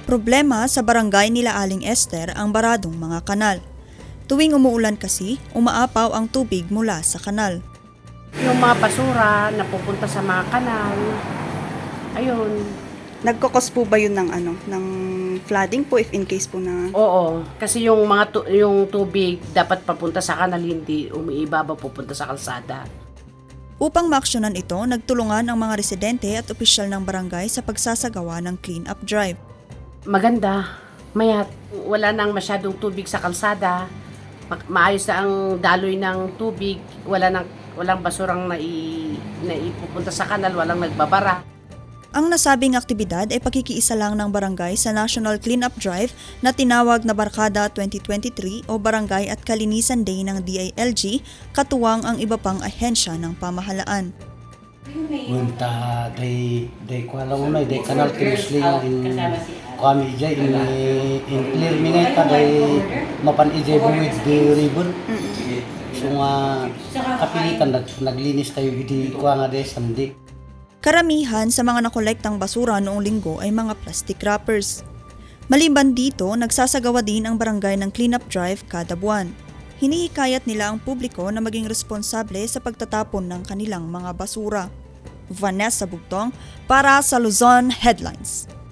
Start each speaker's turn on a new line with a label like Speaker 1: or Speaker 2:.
Speaker 1: Problema sa barangay nila Aling Esther ang baradong mga kanal. Tuwing umuulan kasi, umaapaw ang tubig mula sa kanal.
Speaker 2: Yung mga basura na pupunta sa mga kanal, ayun.
Speaker 3: Nagkakos po ba yun ng flooding po if in case po na...
Speaker 2: Oo, kasi yung yung tubig dapat papunta sa kanal, hindi umiibaba pupunta sa kalsada.
Speaker 1: Upang maaksyonan ito, nagtulungan ang mga residente at opisyal ng barangay sa pagsasagawa ng clean-up drive.
Speaker 2: Maganda, mayat wala nang masyadong tubig sa kalsada, maayos na ang daloy ng tubig, walang basurang naipupunta sa kanal, walang nagbabara.
Speaker 1: Ang nasabing aktibidad ay pakikiisa lang ng barangay sa National Cleanup Drive na tinawag na Barkada 2023 o Barangay at Kalinisan Day ng DILG, katuwang ang iba pang ahensya ng pamahalaan.
Speaker 4: Munta day kuala unay day kanal timusli in kami ijay in clear mingay ka day mapan ijay buwid di ribbon. So nga kapilitan naglinis tayo idi kuha nga day sandi.
Speaker 1: Karamihan sa mga nakolektang basura noong linggo ay mga plastic wrappers. Maliban dito, nagsasagawa din ang barangay ng cleanup drive kada buwan. Hinihikayat nila ang publiko na maging responsable sa pagtatapon ng kanilang mga basura. Vanessa Bugtong para sa Luzon Headlines.